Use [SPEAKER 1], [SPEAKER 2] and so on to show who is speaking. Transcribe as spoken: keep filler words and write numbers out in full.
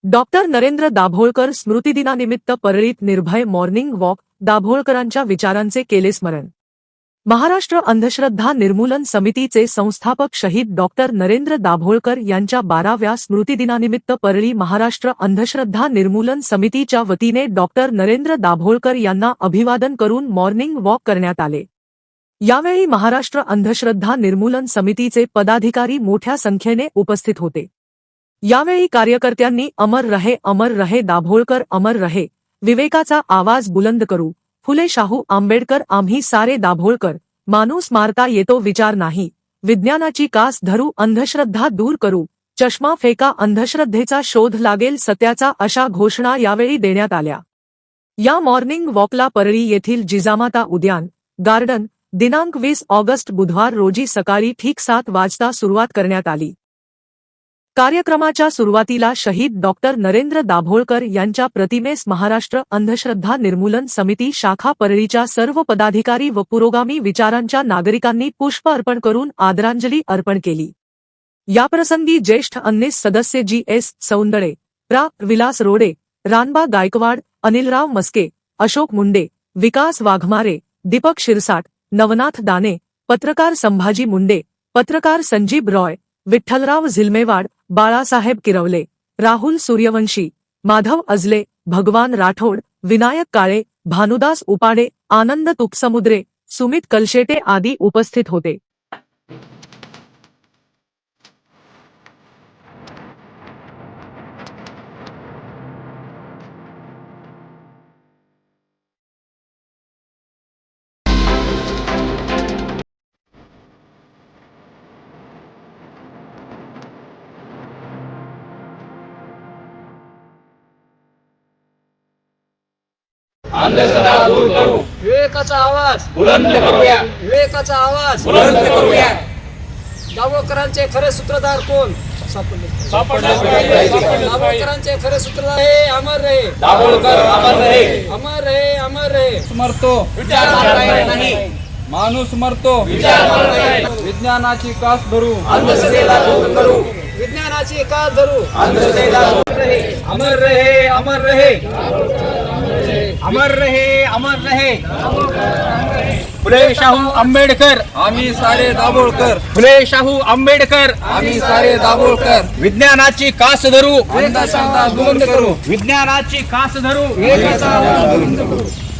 [SPEAKER 1] Doctor Narendra Dabholkar स्मृतिदिनानिमित्त परळीत निर्भय morning walk, दाभोळकरांच्या विचारांचे केले स्मरण। महाराष्ट्र अंधश्रद्धा निर्मूलन समितीचे संस्थापक शहीद डॉक्टर नरेंद्र दाभोळकर यांच्या बाराव्या स्मृतिदिनानिमित्त परळी महाराष्ट्र अंधश्रद्धा निर्मूलन समितीच्या वतीने डॉक्टर नरेंद्र दाभोळकर यांना अभिवादन करून मॉर्निंग वॉक करण्यात आले। यावेळी महाराष्ट्र अंधश्रद्धा निर्मूलन समितीचे पदाधिकारी मोठ्या संख्येने उपस्थित होते। यावेळी कार्यकर्त्यांनी अमर रहे अमर रहे दाभोळकर अमर रहे, विवेकाचा आवाज बुलंद करू, फुले शाहू आंबेडकर आम्ही सारे दाभोळकर, माणूस मारता येतो विचार नाही, विज्ञानाची कास धरू अंधश्रद्धा दूर करू, चष्मा फेका अंधश्रद्धेचा शोध लागेल सत्याचा अशा घोषणा यावेळी देण्यात आल्या। या मॉर्निंग वॉकला परळी येथील जिजामाता उद्यान गार्डन दिनांक वीस ऑगस्ट बुधवार रोजी सकाळी ठीक सात वाजता सुरुवात करण्यात आली। कार्यक्रमाच्या सुरुवातीला शहीद डॉक्टर नरेंद्र दाभोळकर यांच्या प्रतिमेस महाराष्ट्र अंधश्रद्धा निर्मूलन समिती शाखा परळीच्या सर्व पदाधिकारी व पुरोगामी विचारांच्या नागरिकांनी पुष्प अर्पण करून आदरांजली अर्पण केली। याप्रसंगी ज्येष्ठ अन्नीस सदस्य जी एस सौंदळे, प्रा विलास रोडे, रानबा गायकवाड, अनिलराव मस्के, अशोक मुंडे, विकास वाघमारे, दीपक शिरसाट, नवनाथ दाने, पत्रकार संभाजी मुंडे, पत्रकार संजीब रॉय, विठ्ठलराव झिलमेवाड, बाळासाहेब किरवले, राहुल सूर्यवंशी, माधव अजले, भगवान राठोड, विनायक काळे, भानुदास उपाडे, आनंद तुपसमुद्रे, सुमित कलशेटे आदी उपस्थित होते।
[SPEAKER 2] अंधश्रद्धा दूर करू,
[SPEAKER 3] विवेकाचा आवाज
[SPEAKER 2] बुलंद करूया,
[SPEAKER 3] विवेकाचा आवाज
[SPEAKER 2] बुलंद करूया।
[SPEAKER 3] दाभोळकरांचे खरे सूत्रधार कोण? सापडले
[SPEAKER 2] सापडले पाहिजे।
[SPEAKER 3] दाभोळकरांचे खरे सूत्रधार हे अमर रहे
[SPEAKER 2] दाभोळकर अमर रहे,
[SPEAKER 3] अमर रहे अमर रहे।
[SPEAKER 4] मरतो
[SPEAKER 2] विचार मारता नाही,
[SPEAKER 4] माणूस मरतो
[SPEAKER 2] विचार मारता नाही,
[SPEAKER 4] विज्ञानाची कास धरू
[SPEAKER 2] अंधश्रद्धेला दूर करू,
[SPEAKER 3] विज्ञानाची कास धरू
[SPEAKER 2] अंधश्रद्धेला दूर रहे।
[SPEAKER 4] अमर रहे अमर रहे अमर रहे अमर रहे
[SPEAKER 2] फुले शाहू आंबेडकर,
[SPEAKER 4] आम्ही सारे दाभोळकर,
[SPEAKER 2] फुले शाहू आंबेडकर,
[SPEAKER 4] आम्ही सारे दाभोळकर,
[SPEAKER 2] विज्ञानाची कास धरू,
[SPEAKER 4] अंधश्रद्धा दूर करू,
[SPEAKER 2] विज्ञानाची कास धरू,
[SPEAKER 4] विवेकाचा आवाज बुलंद करू।